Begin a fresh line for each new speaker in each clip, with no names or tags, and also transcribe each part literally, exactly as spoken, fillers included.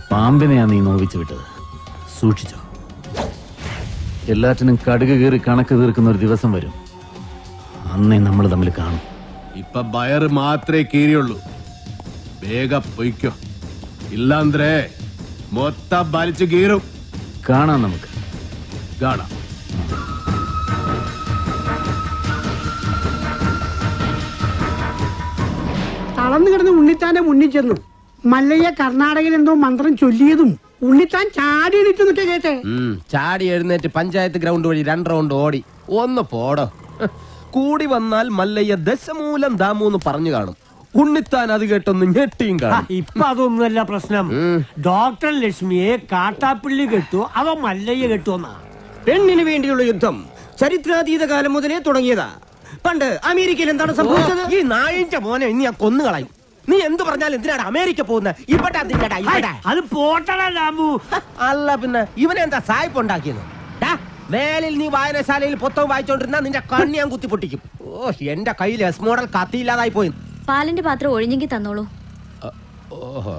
പാമ്പിനെയാ നീ നോവിച്ചു വിട്ടത്. സൂക്ഷിച്ചോ. എല്ലാറ്റിനും കടുക് കീറി കണക്ക് തീർക്കുന്ന ഒരു ദിവസം വരും. അന്നേ നമ്മൾ തമ്മിൽ കാണും.
ഇപ്പൊ ബയറ് മാത്രമേ കീറിയുള്ളൂ. വേഗം പൊയ്ക്കോ, ഇല്ലാന്ത്രേ മൊത്തം വലിച്ചു കീറും.
കാണാം, നമുക്ക്
കാണാം.
തളർന്നു കിടന്ന് ഉണ്ണിത്താന്റെ മുന്നിൽ ചെന്നു. മല്ലയ്യ കർണാടകയിൽ എന്തോ മന്ത്രം ചൊല്ലിയതും ഉണ്ണിത്താൻ ചാടി എണീറ്റ് നിൽക്കെ കേട്ടെ.
ചാടി എഴുന്നേറ്റ് പഞ്ചായത്ത് ഗ്രൗണ്ട് വഴി രണ്ട് റൗണ്ട് ഓടി. ഒന്ന് പോടോ. കൂടി വന്നാൽ മല്ലയ്യ ദശമൂലം ദാമൂന്ന് പറഞ്ഞു കാണും. ഉണ്ണിത്താൻ അത് കേട്ടൊന്ന് ഞെട്ടിയും കാണും.
ഇപ്പൊ അതൊന്നുമല്ല പ്രശ്നം. ഡോക്ടർ ലക്ഷ്മിയെ കാട്ടാപ്പിള്ളി കെട്ടു, അവ മല്ലയ്യ കെട്ടുവന്നാ.
പെണ്ണിന് വേണ്ടിയുള്ള യുദ്ധം ചരിത്രാതീത കാലം മുതലേ തുടങ്ങിയതാ. പണ്ട് അമേരിക്കയിൽ എന്താണ് സംഭവിച്ചത്?
ഈ നായിന്റെ മോനെ ഇനി ഞാൻ കൊന്നുകളയും. നീ എന്ത് പറഞ്ഞാലും എന്തിനാണ് അമേരിക്ക പോകുന്നത്? ഇവിടെ
അത് പോട്ടടാ ദാമു.
അല്ല പിന്നെ ഇവനെന്താ സായിപ്പ് ഉണ്ടാക്കിയത്? വേലിൽ നീ വായനശാലയിൽ പുസ്തകം വായിച്ചോണ്ടിരുന്ന നിന്റെ കണ്ണി ഞാൻ കുത്തി പൊട്ടിക്കും. ഓ, എന്റെ കയ്യിൽ എസ് മോഡൽ കത്തിയില്ലാതായി പോയി.
പാലിന്റെ പാത്രം ഒഴിഞ്ഞെങ്കിൽ തന്നോളൂ.
ഓഹോ,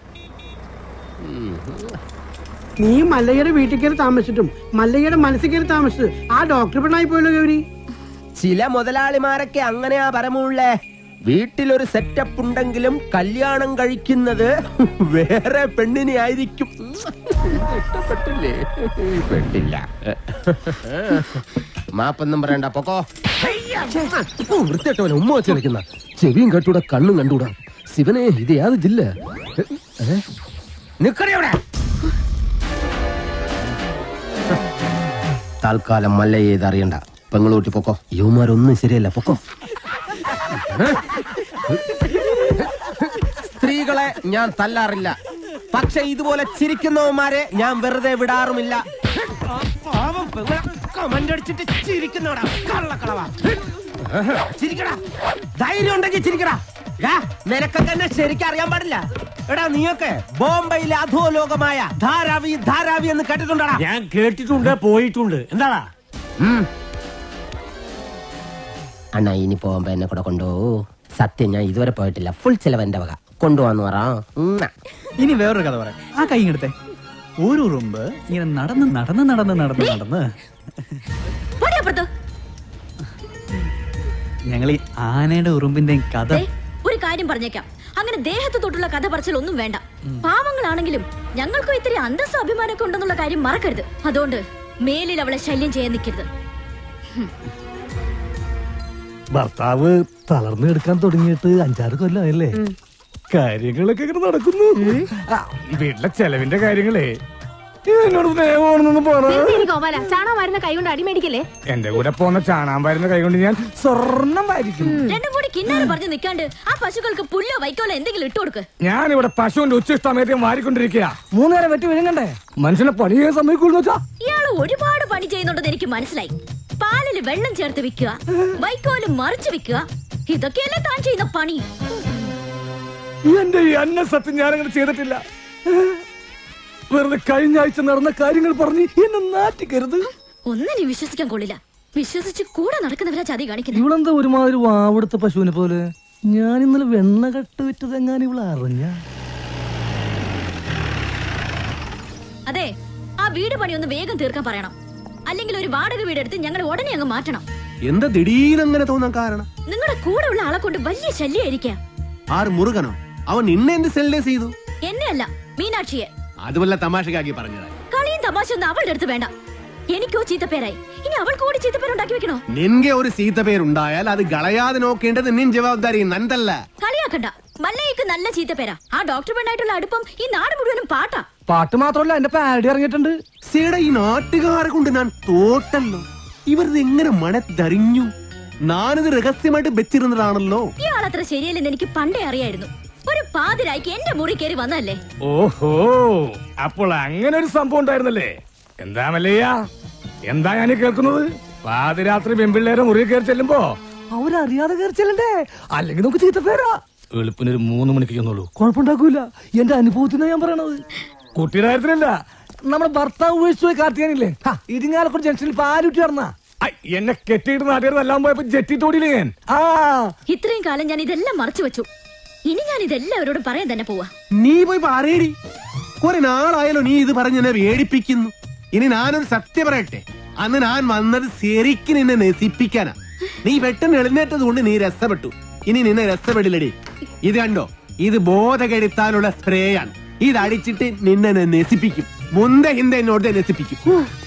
നീ മല്ലയ്യയുടെ വീട്ടിൽ കയറി താമസിച്ചിട്ടും മല്ലയ്യയുടെ മനസ്സിൽ കയറി താമസിച്ചത് ആ ഡോക്ടർ പെണ്ണായി പോയല്ലോ ഗൗരി.
ചില മുതലാളിമാരൊക്കെ അങ്ങനെയാ പരമുള്ളേ. വീട്ടിലൊരു സെറ്റപ്പ് ഉണ്ടെങ്കിലും കല്യാണം കഴിക്കുന്നത് വേറെ പെണ്ണിനെ ആയിരിക്കും. ഇഷ്ടപ്പെട്ടില്ലേ? പെട്ടില്ല. മാപ്പൊന്നും പറയണ്ട, പൊക്കോ. വൃത്തിയായിട്ടവനെ ഉമ്മ വെച്ച് കളിക്കുന്ന. ചെവിയും കട്ടൂടാ, കണ്ണും കണ്ടൂടാ. ശിവനെ, ഇത് യാത് ജില്ല? നിക്കടവിടെ. തൽക്കാലം മല്ലയെ ഇത് അറിയണ്ട. പെങ്ങളൂട്ടി പൊക്കോ. യുവമാരൊന്നും ശരിയല്ല, പൊക്കോ. സ്ത്രീകളെ ഞാൻ തല്ലാറില്ല, പക്ഷെ ഇതുപോലെ ചിരിക്കുന്നവന്മാരെ ഞാൻ വെറുതെ വിടാറുമില്ല. കമന്റടിച്ചിട്ട് ചിരിക്കുന്നവടാ കള്ളക്കളവാ. ചിരിക്കടാ, ധൈര്യം ഉണ്ടെങ്കിൽ ചിരിക്കടാ. നിനക്കൊക്കെ എന്നെ ശരിക്കും അറിയാൻ പാടില്ല. എടാ, നീയൊക്കെ ബോംബെയിലെ അധോലോകമായ ധാരാവി ധാരാവി എന്ന് കേട്ടിട്ടുണ്ടാ?
ഞാൻ കേട്ടിട്ടുണ്ട്, പോയിട്ടുണ്ട്. എന്താടാ
അണ്ണാ, ഇനി പോകുമ്പോ എന്നെ കൂടെ കൊണ്ടുപോകൂ. സത്യം, ഞാൻ ഇതുവരെ പോയിട്ടില്ല. ഫുൾ ചെലവ് എന്റെ വക. കൊണ്ടുപോവാന്ന് പറ.
ഇനി വേറൊരു കഥ പറയാം. ആ കൈ എടുത്തേ. ഒരു ഉറുമ്പ് ഇങ്ങനെ നടന്ന് നടന്ന് നടന്ന് നടന്ന് നടന്ന് ഞങ്ങൾ ഈ ആനയുടെ ഉറുമ്പിന്റെ കഥ.
ഒരു കാര്യം പറഞ്ഞേക്കാം, അങ്ങനെ ദേഹത്ത് തൊട്ടുള്ള കഥ പറച്ചിൽ ഒന്നും വേണ്ട. പാവങ്ങളാണെങ്കിലും ഞങ്ങൾക്കും ഇത്തിരി അന്തസ്സ അഭിമാനമൊക്കെ ഉണ്ടെന്നുള്ള കാര്യം മറക്കരുത്. അതുകൊണ്ട് മേലിൽ അവളെ ശല്യം ചെയ്യാൻ നിൽക്കരുത്.
ഭർത്താവ് തളർന്നു എടുക്കാൻ തുടങ്ങിയിട്ട് അഞ്ചാറ് കൊല്ലമായല്ലേ? കാര്യങ്ങളൊക്കെ ഇങ്ങനെ നടക്കുന്നു. വീട്ടിലെ ചെലവിന്റെ കാര്യങ്ങളേ എന്നോട് സ്നേഹമാണെന്നൊന്നും പറഞ്ഞു.
ചാണകം വരുന്ന കൈ കൊണ്ട് അടിമേടിക്കല്ലേ?
എന്റെ കൂടെ പോന്ന ചാണാൻ വരുന്ന കൈ കൊണ്ട് ഞാൻ സ്വർണം വാരിക്കും.
രണ്ടും കൂടി കിന്നാരം പറഞ്ഞു നിൽക്കാണ്ട് ആ പശുക്കൾക്ക് പുല്ലോ വൈക്കോലോ എന്തെങ്കിലും ഇട്ടു കൊടുക്ക്.
ഞാൻ ഇവിടെ പശുവിന്റെ ഉച്ചിഷ്ടമേദ്യം വാരിക്കൊണ്ടിരിക്കുക. മൂന്നേരം വെട്ടി വിഴുങ്ങണ്ടേ? മനുഷ്യനെ പണി ചെയ്യാൻ സമ്മതിക്കൂന്ന് വെച്ചാ?
ഇയാള് ഒരുപാട് പണി ചെയ്യുന്നുണ്ടെന്ന് എനിക്ക് മനസ്സിലായി. പാലില് വെള്ളം ചേർത്ത് വിൽക്കുക, വൈക്കോലും മറിച്ച് വിൽക്കുക, ഇതൊക്കെയല്ലേ താൻ ചെയ്യുന്ന പണി.
എന്റെ ഈ അന്ന സത്യം ഞാനങ്ങനെ ചെയ്തിട്ടില്ല. വെറുതെ കഴിഞ്ഞ ആഴ്ച നടന്ന കാര്യങ്ങൾ പറഞ്ഞ് എന്നെ നാറ്റിക്കരുത്.
ഒന്നിനെ വിശ്വസിക്കാൻ കൊള്ളില്ല. വിശ്വസിച്ച് കൂടെ നടക്കുന്നവരാ ചതി കാണിക്കുന്നത്.
ഇവളെന്താ ഒരുമാതിരി വാവെടുത്ത പശുവിനെ പോലെ? ഞാൻ ഇന്നലെ വെണ്ണ കട്ട് വിറ്റത് എങ്ങാനും ഇവളെ അറിഞ്ഞ?
അതെ, ആ വീട് പണി ഒന്ന് വേഗം തീർക്കാൻ പറയണം. അല്ലെങ്കിൽ ഒരു വാടക വീടെടുത്ത് ഞങ്ങൾ ഉടനെ അങ്ങ് മാറ്റണം.
എന്താ ദിടീരങ്ങനെ തോന്നാൻ കാരണം?
നിങ്ങളുടെ കൂടെ ഉള്ള ആളെ കൊണ്ട് വലിയ ശല്യായിരിക്കാം.
ആറ് മുറുകനോ? അവൻ നിന്നെ എന്ത് സെൽഡേ ചെയ്തു?
എന്നെ അല്ല, മീനാക്ഷിയെ.
അതുമല്ല തമാശക്കാക്കി പറഞ്ഞതാ.
കളിയും തമാശ ഒന്നും അവളുടെ അടുത്ത് വേണ്ട. എനിക്കോ ചീത്തപ്പേരായി, ഇനി അവൾ കൂടി ചീത്തപ്പേരുണ്ടാക്കി വെക്കണോ?
നിൻകെ ഒരു ചീത്തപ്പേരുണ്ടായാൽ അത് കളയാതെ നോക്കേണ്ടത് നിൻ ജവാബ്ദാരി, നന്തല്ല.
കളിയാക്കണ്ട. മല്ലയ്ക്ക് നല്ല ചീത്തപ്പേരാ. ആ ഡോക്ടർ പെണ്ണായിട്ടുള്ള അടുപ്പം ഈ നാട് മുഴുവനും പാട്ടാ.
പാട്ട് മാത്രമല്ല, എന്റെ പാരഡി ഇറങ്ങിയിട്ടുണ്ട്.
സീടെ ഈ നാട്ടുകാരെ കൊണ്ട് ഞാൻ തോട്ടല്ലോ. ഇവരത് എങ്ങനെ മണത്തറിഞ്ഞു? ഞാനിത് രഹസ്യമായിട്ട് വെച്ചിരുന്നതാണല്ലോ.
ഇയാളത്ര ശരിയല്ലെന്ന് എനിക്ക് പണ്ടേ അറിയായിരുന്നു. ഒരു പാതിരായിക്ക് എന്റെ മുറി കയറി വന്നല്ലേ.
ഓഹോ, അപ്പോൾ അങ്ങനെ ഒരു സംഭവം ഉണ്ടായിരുന്നല്ലേ? എന്താ മല്ലയ്യ, എന്താ ഞാൻ കേൾക്കുന്നത്? പാതിരാത്രി പെൺപിള്ളേരെ മുറി കയറി ചെല്ലുമ്പോ അവരറിയാതെ കയറി ചെല്ലണ്ടേ? അല്ലെങ്കിൽ നമുക്ക് ചീത്തപ്പേരാ. എളുപ്പിനൊരു മൂന്ന് മണിക്ക് ചെന്നുള്ളൂ, കുഴപ്പമുണ്ടാക്കൂല. എന്റെ അനുഭവത്തിനാ ഞാൻ പറയണത്. കുട്ടിയുടെ കാര്യത്തിലല്ല, നമ്മുടെ ഭർത്താവ് ഉപേക്ഷിച്ചു പോയി കാർത്തിയാനില്ലേ, ഇരിങ്ങാലക്കുട ജംഗ്ഷനിൽ പാലുറ്റി നടന്ന എന്നെ കെട്ടിയിട്ട് നാട്ടുകാരെല്ലാം പോയപ്പോ ജെറ്റി തോടിയില്ലേ ഞാൻ. ആ
ഇത്രയും കാലം ഞാൻ ഇതെല്ലാം മറച്ചു വെച്ചു. ഇനി ഞാൻ ഇതെല്ലാവരോടും പറയാൻ തന്നെ പോവാ.
നീ പോയി പറയടി. കുറെ നാളായാലോ നീ ഇത് പറഞ്ഞ് എന്നെ വേടിപ്പിക്കുന്നു. ഇനി ഞാനൊരു സത്യം പറയട്ടെ, അന്ന് ഞാൻ വന്നത് ശരിക്കും നിന്നെ നശിപ്പിക്കാനാ. നീ പെട്ടെന്ന് എഴുന്നേറ്റത് കൊണ്ട് നീ രസപ്പെട്ടു. ഇനി നിന്നെ രസപ്പെടില്ലടി. ഇത് കണ്ടോ, ഇത് ബോധകെടുത്താനുള്ള സ്പ്രേയാണ്. ഇത് അടിച്ചിട്ട് നിന്നെ ഞാൻ നശിപ്പിക്കും. മുന്ത ഹിന്ദ എന്നോട് നശിപ്പിക്കും.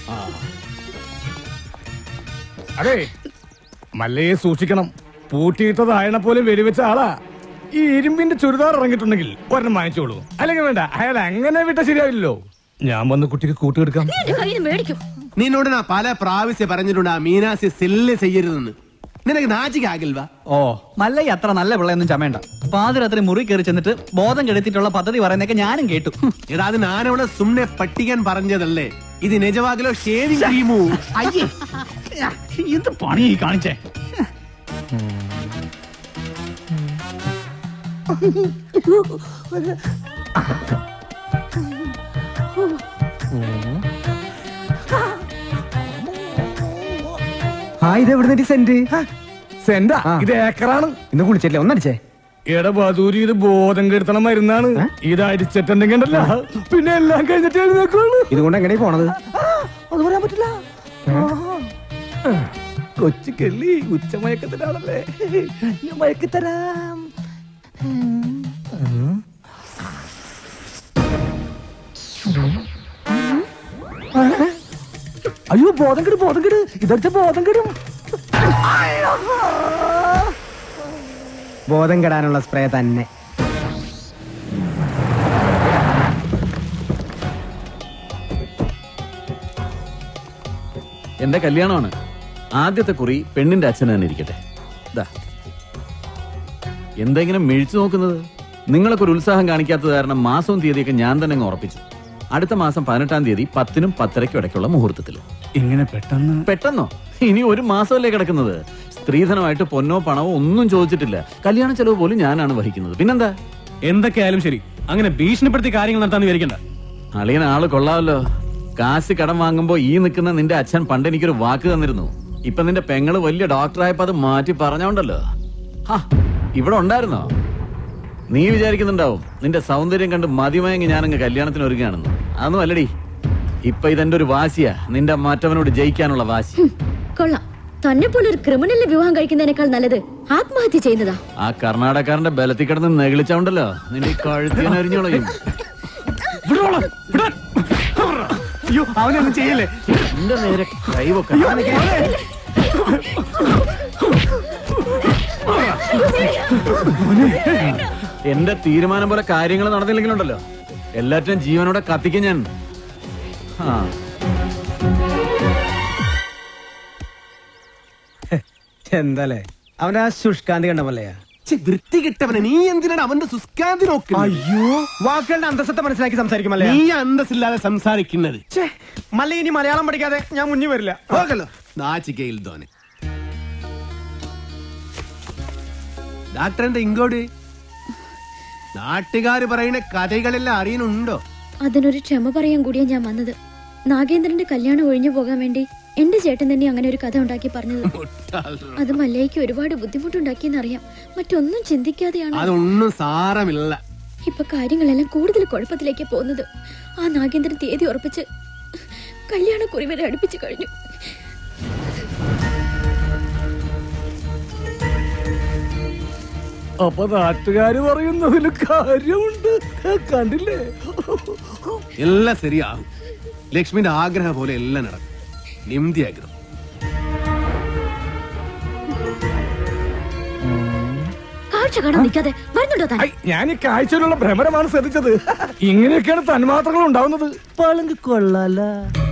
അതെ, മല്ലയെ സൂക്ഷിക്കണം. പൂട്ടിയിട്ടതായണ പോലും വെടിവെച്ച ആളാ. ഈ ഇരുമ്പിന്റെ ചുരിദാർ ഇറങ്ങിയിട്ടുണ്ടെങ്കിൽ ഒരെണ്ണം വാങ്ങിച്ചോളൂ. അല്ലെങ്കിൽ വേണ്ട, അയാൾ അങ്ങനെ വിട്ട ശരിയാവില്ലല്ലോ. ഞാൻ വന്ന് കുട്ടിക്ക് കൂട്ടുകെടുക്കാം.
നിന്നോട് ഞാൻ പല പ്രാവശ്യം പറഞ്ഞിട്ടുണ്ട് ആ മീനാസി സെല്ല് ചെയ്യരുതെന്ന്. നിനക്ക് നാച്ചിക്കാകിൽവാ?
ഓ, മല്ലയ്യ അത്ര നല്ല പിള്ളയൊന്നും ചമേണ്ട. പാതിരാത്രി മുറി കയറി ചെന്നിട്ട് ബോധം കെടുത്തിട്ടുള്ള പദ്ധതി പറയുന്നൊക്കെ ഞാനും കേട്ടു.
എടാ, അത് ഞാനവിടെ സുമ്നെ പട്ടിക്കാൻ പറഞ്ഞതല്ലേ. ഇത് നിജവാകിലോ ഷേവിംഗ് ക്രീമോ?
അയ്യേ, ഇത് പണി കാണിച്ചേ.
സെന്റാ? ഇത് ഏക്കറാണ്.
ഇന്ന് കുളിച്ചില്ലേ? ഒന്നടിച്ചേ.
എടബാദൂരി, ഇത് ബോധം കെടുത്തണം മരുന്നാണ്. ഇത് അടിച്ചിട്ടുണ്ടെങ്കിൽ ഉണ്ടല്ലോ, പിന്നെ എല്ലാം കഴിഞ്ഞിട്ട് എഴുന്നേക്കുള്ളൂ.
ഇതുകൊണ്ട് എങ്ങനെ പോണത്?
അത് പറയാൻ പറ്റില്ല. കൊച്ചു കെള്ളി ഉച്ചമയക്കത്തിലാണല്ലേ, ഞാൻ മയക്കിത്തരാം. അയ്യോ, ബോധം കെടും, ബോധം കെട്. ഇതടിച്ച ബോധം കെടും.
ബോധം കെടാനുള്ള സ്പ്രേ തന്നെ.
എന്റെ കല്യാണമാണ്. ആദ്യത്തെ കുറി പെണ്ണിന്റെ അച്ഛൻ തന്നെ ഇരിക്കട്ടെ. ദാ, എന്തെങ്കിലും മിഴിച്ചു നോക്കുന്നത്? നിങ്ങളൊക്കെ ഒരു ഉത്സാഹം കാണിക്കാത്തത് കാരണം മാസവും തീയതിയൊക്കെ ഞാൻ തന്നെ അങ്ങ് ഉറപ്പിച്ചു. അടുത്ത മാസം പതിനെട്ടാം തീയതി പത്തിനും പത്തരയ്ക്കും ഇടയ്ക്കുള്ള മുഹൂർത്തത്തിൽ.
ഇങ്ങനെ പെട്ടെന്ന്?
പെട്ടെന്നോ? ഇനി ഒരു മാസമല്ലേ കിടക്കുന്നത്. സ്ത്രീധനമായിട്ട് പൊന്നോ പണവോ ഒന്നും ചോദിച്ചിട്ടില്ല. കല്യാണ ചെലവ് പോലും ഞാനാണ് വഹിക്കുന്നത്. പിന്നെന്താ?
എന്തൊക്കെയായാലും ശരി, അങ്ങനെ ഭീഷണിപ്പെടുത്തി കാര്യങ്ങൾ നടത്താൻ വിചാരിക്കണ്ട.
അളിയൻ ആള് കൊള്ളാമല്ലോ. കാശ് കടം വാങ്ങുമ്പോ ഈ നിൽക്കുന്ന നിന്റെ അച്ഛൻ പണ്ട് എനിക്കൊരു വാക്ക് തന്നിരുന്നു. ഇപ്പൊ നിന്റെ പെങ്ങള് വലിയ ഡോക്ടറായപ്പോ അത് മാറ്റി പറഞ്ഞോണ്ടല്ലോ. ഹാ, ഇവിടെ ഉണ്ടായിരുന്നോ? നീ വിചാരിക്കുന്നുണ്ടാവും നിന്റെ സൗന്ദര്യം കണ്ട് മതിമയങ്ങി ഞാനങ്ങ് കല്യാണത്തിന് ഒരുങ്ങാണെന്ന്. അതൊന്നും അല്ലടി. ഇപ്പൊ ഇതെന്റെ ഒരു വാശിയാ, നിന്റെ മറ്റവനോട് ജയിക്കാനുള്ള വാശി.
കൊള്ളാം. തന്നെ പോലെ ഒരു ക്രിമിനലിനെ വിവാഹം കഴിക്കുന്നതിനേക്കാൾ നല്ലത് ആത്മഹത്യ ചെയ്യുന്നതാ.
ആ കർണാടകക്കാരന്റെ ബലത്തിൽ കിടന്ന് നെകിളിച്ചോണ്ടല്ലോ നിന്റെ കഴുത്തിനരിഞ്ഞോളയും.
അയ്യോ, അവനൊന്നും ചെയ്യല്ലേ.
എന്റെ നേരെ കൈവൊക്കെ. എന്റെ തീരുമാനം പോലെ കാര്യങ്ങൾ നടന്നില്ലെങ്കിലുണ്ടല്ലോ, എല്ലാറ്റിനും ജീവനോടെ കത്തിക്കും ഞാൻ. ആ,
എന്താലേ അവന്റെ ആ ശുഷ്കാന്തി കണ്ടമല്ലയാ.
വൃത്തി കിട്ടവനെ, നീ എന്തിനാണ് അവന്റെ സുസ്കാന്തി നോക്കുന്നത്?
അയ്യോ, വാക്കുകളുടെ അന്തസ്സത്തെ മനസ്സിലാക്കി സംസാരിക്കുമല്ലേ.
നീ അന്തസ്സില്ലാതെ സംസാരിക്കുന്നത്.
മല്ല, ഇനി മലയാളം പഠിക്കാതെ ഞാൻ മുന്നിൽ വരില്ല.
ಹೋಗಲ್ಲ നാച്ചിക്കയിൽ ധോനെ. ഡാക്ടർ എന്താ ഇങ്ങോട്ട്? നാട്ടുകാര് പറയുന്ന കഥകളെല്ലാം അറിയുന്നുണ്ടോ?
അതിനൊരു ക്ഷമ പറയാൻ കൂടിയാ ഞാൻ വന്നത്. നാഗേന്ദ്രന്റെ കല്യാണം ഒഴിഞ്ഞു പോകാൻ വേണ്ടി എന്റെ ചേട്ടൻ തന്നെ അങ്ങനെ ഒരു കഥ ഉണ്ടാക്കി പറഞ്ഞത്. അത് മല്ലയ്ക്ക് ഒരുപാട് ബുദ്ധിമുട്ടുണ്ടാക്കിയെന്നറിയാം. മറ്റൊന്നും ചിന്തിക്കാതെയാണ്.
അതൊന്നും സാരമില്ല.
ഇപ്പൊ കാര്യങ്ങളെല്ലാം കൂടുതൽ കുഴപ്പത്തിലേക്ക് പോകുന്നത്. ആ നാഗേന്ദ്രൻ തീയതി ഉറപ്പിച്ച് കല്യാണക്കുറി വരെ അടുപ്പിച്ചു കഴിഞ്ഞു.
അപ്പൊ നാട്ടുകാര് പറയുന്നതിൽ കാര്യമുണ്ട്. കണ്ടില്ലേ?
എല്ലാം ശരിയാകും. ലക്ഷ്മിന്റെ ആഗ്രഹം പോലെ എല്ലാം നടക്കും. നിംതി ആഗ്രഹം.
കാഴ്ച കാണാൻ നിൽക്കാതെ വരുന്നുണ്ടോ താൻ?
ഞാൻ ഈ കാഴ്ചയിലുള്ള ഭ്രമരമാണ് ശ്രദ്ധിച്ചത്. ഇങ്ങനെയൊക്കെയാണ് തന്മാത്രകൾ ഉണ്ടാവുന്നത്. പളുങ്ക് കൊള്ളാല.